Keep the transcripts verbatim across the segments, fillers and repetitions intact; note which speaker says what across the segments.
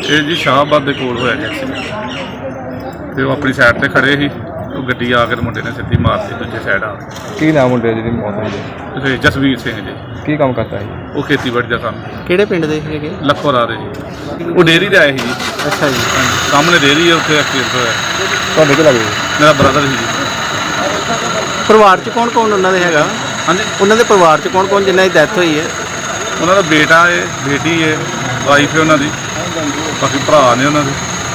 Speaker 1: ਇਹ ਜੀ ਸ਼ਾਹਬਾਦ ਦੇ ਕੋਲ ਹੋਇਆ ਜੀ ਐਕਸੀਡੈਂਟ ਤੇ ਉਹ ਆਪਣੀ ਸਾਈਡ ਤੇ ਖੜੇ ਸੀ। ਉਹ ਗੱਡੀ ਆ ਕੇ ਮੁੰਡੇ ਨੇ ਸਿੱਧੀ ਮਾਰਤੀ ਦੂਜੇ ਸਾਈਡ ਆ।
Speaker 2: ਕੀ ਨਾਮ ਮੁੰਡੇ ਜਿਹਦੀ ਮੌਤ ਹੋਈ ਹੈ?
Speaker 1: ਤੇ ਜਸਵੀਰ ਸਿੰਘ ਜੀ,
Speaker 2: ਕੀ ਕੰਮ ਕਰਦਾ ਹੈ?
Speaker 1: ਉਹ ਖੇਤੀਬਾੜੀ ਦਾ ਕੰਮ।
Speaker 3: ਕਿਹੜੇ ਪਿੰਡ ਦੇ ਹੈਗੇ?
Speaker 1: ਲੱਖੋਰਾ ਦੇ ਜੀ। ਉਹ ਡੇਅਰੀ ਤੇ ਆਏ ਸੀ ਜੀ।
Speaker 3: ਅੱਛਾ ਜੀ।
Speaker 1: ਸਾਹਮਣੇ ਡੇਅਰੀ ਹੈ, ਉੱਥੇ ਐਕਸੀਡੈਂਟ ਹੋਇਆ।
Speaker 2: ਤੁਹਾਡੇ ਕੀ ਲੱਗਦਾ?
Speaker 1: ਮੇਰਾ ਬ੍ਰਦਰ ਸੀ ਜੀ।
Speaker 3: ਪਰਿਵਾਰ 'ਚ ਕੌਣ ਕੌਣ ਉਹਨਾਂ ਦੇ ਹੈਗਾ?
Speaker 1: ਹਾਂਜੀ,
Speaker 3: ਉਹਨਾਂ ਦੇ ਪਰਿਵਾਰ 'ਚ ਕੌਣ ਕੌਣ ਜਿਨ੍ਹਾਂ ਦੀ ਡੈਥ ਹੋਈ ਹੈ?
Speaker 1: ਉਹਨਾਂ ਦਾ ਬੇਟਾ ਹੈ, ਬੇਟੀ ਹੈ, ਵਾਈਫ ਹੈ ਉਹਨਾਂ ਦੀ, ਬਾਕੀ ਭਰਾ ਨੇ ਉਹਨਾਂ ਦੇ।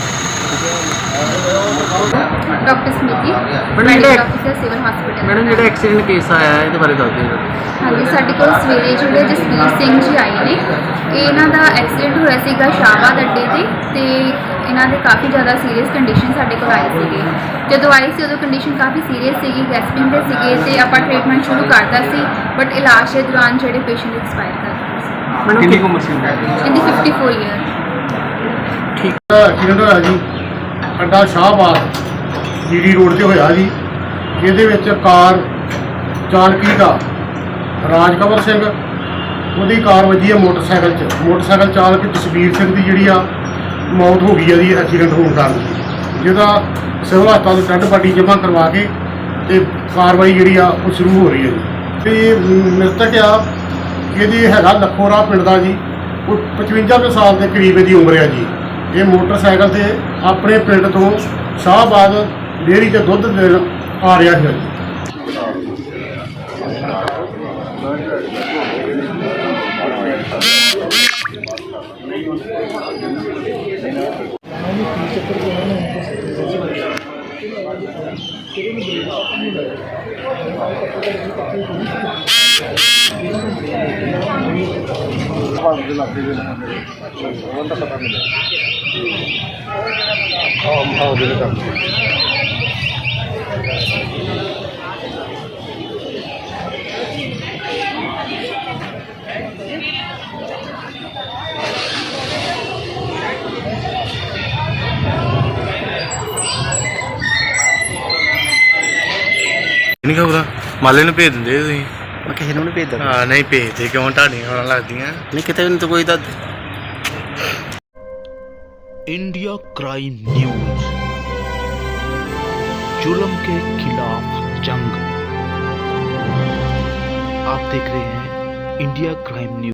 Speaker 4: ਡਾਕਟਰ ਸਮਿਤੀ,
Speaker 3: ਮੈਡਮ
Speaker 4: ਮੈਡੀਕਲ
Speaker 3: ਜਿਹੜਾ
Speaker 4: ਅਫਸਰ ਸਿਵਲ ਹਸਪੀਟਲ।
Speaker 3: ਮੈਡਮ ਜਿਹੜਾ ਐਕਸੀਡੈਂਟ ਕੇਸ ਆਇਆ ਹੈ ਇਹਦੇ ਬਾਰੇ ਦੱਸ ਦਿਓ।
Speaker 4: ਹਾਂਜੀ, ਸਾਡੇ ਕੋਲ ਸਵੇਰੇ ਜਿਹੜੇ ਜਸਵੀਰ ਸਿੰਘ ਜੀ ਆਏ ਨੇ, ਇਹ ਇਹਨਾਂ ਦਾ ਐਕਸੀਡੈਂਟ ਹੋਇਆ ਸੀਗਾ ਸ਼ਾਹਬਾਦ ਅੱਡੇ ਤੇ ਤੇ ਇਹਨਾਂ ਦੇ ਕਾਫੀ ਜ਼ਿਆਦਾ ਸੀਰੀਅਸ ਕੰਡੀਸ਼ਨ ਸਾਡੇ ਕੋਲ ਆਏ ਸੀਗੇ। ਜਦੋਂ ਆਏ ਸੀ ਉਦੋਂ ਕੰਡੀਸ਼ਨ ਕਾਫੀ ਸੀਰੀਅਸ ਸੀਗੀ, ਗੈਸਪਿੰਗ ਦੇ ਸੀਗੇ ਤੇ ਆਪਾਂ ਟ੍ਰੀਟਮੈਂਟ ਸ਼ੁਰੂ ਕਰਤਾ ਸੀ, ਬਟ ਇਲਾਜ ਦੇ ਦੌਰਾਨ ਜਿਹੜੇ ਪੇਸ਼ੈਂਟ ਐਕਸਪਾਇਰ ਕਰ ਗਏ ਸੀ।
Speaker 3: ਮੈਡਮ ਕਿੰਨੀ ਉਮਰ ਸੀ?
Speaker 4: ਇਹਦੀ ਫਿਫਟੀ ਫੋਰ ਈਅਰ।
Speaker 5: ਐਕਸੀਡੈਂਟ ਹੋਇਆ ਜੀ ਅੱਡਾ ਸ਼ਾਹਬਾਦ ਜੀਡੀ ਰੋਡ ਤੇ ਹੋਇਆ ਜੀ, ਜਿਹਦੇ ਵਿੱਚ ਕਾਰ ਚਾਲਕੀ ਦਾ ਰਾਜਕਵਰ ਸਿੰਘ, ਉਹਦੀ ਕਾਰ ਵੱਜੀ ਹੈ ਮੋਟਰਸਾਈਕਲ 'ਚ। ਮੋਟਰਸਾਈਕਲ ਚਾਲਕ ਜਸਵੀਰ ਸਿੰਘ ਦੀ ਜਿਹੜੀ ਆ ਮੌਤ ਹੋ ਗਈ ਹੈ ਜੀ ਐਕਸੀਡੈਂਟ ਹੋਣ ਕਾਰਨ, ਜਿਹਦਾ ਸਿਵਲ ਹਸਪਤਾਲ ਤੋਂ ਡੈੱਡ ਬਾਡੀ ਜਮ੍ਹਾਂ ਕਰਵਾ ਕੇ ਤੇ ਕਾਰਵਾਈ ਜਿਹੜੀ ਆ ਉਹ ਸ਼ੁਰੂ ਹੋ ਰਹੀ ਹੈ ਜੀ। ਤੇ ਮ੍ਰਿਤਕ ਆ ਇਹਦੀ ਹੈਗਾ ਲੱਖੋਰਾ ਪਿੰਡ ਦਾ ਜੀ। ਉਹ ਪਚਵੰਜਾ ਕੁ ਸਾਲ ਦੇ ਕਰੀਬ ਇਹਦੀ ਉਮਰ ਹੈ ਜੀ। ਇਹ ਮੋਟਰਸਾਈਕਲ ਤੇ ਆਪਣੇ ਪਿੰਡ ਤੋਂ ਸ਼ਾਹਬਾਦ ਡੇਅਰੀ 'ਤੇ ਦੁੱਧ ਦੇਣ ਆ ਰਿਹਾ ਸੀ ਜੀ।
Speaker 6: ਨਹੀਂ ਖਬਰਾਂ ਮਾਲੇ ਨੂੰ ਭੇਜ ਦਿੰਦੇ ਤੁਸੀਂ?
Speaker 3: ਮੈਂ ਕਿਸੇ ਨੂੰ ਨਹੀਂ ਭੇਜਦਾ।
Speaker 6: ਹਾਂ ਨਹੀਂ ਭੇਜਦੇ ਕਿਉਂ? ਤੁਹਾਡੀਆਂ ਖਬਰਾਂ ਲੱਗਦੀਆਂ
Speaker 3: ਨਹੀਂ ਕਿਤੇ ਵੀ ਨਹੀਂ ਤਾਂ ਕੋਈ ਦੱਸ।
Speaker 7: इंडिया क्राइम न्यूज, जुल्म के खिलाफ जंग। आप देख रहे हैं इंडिया क्राइम न्यूज।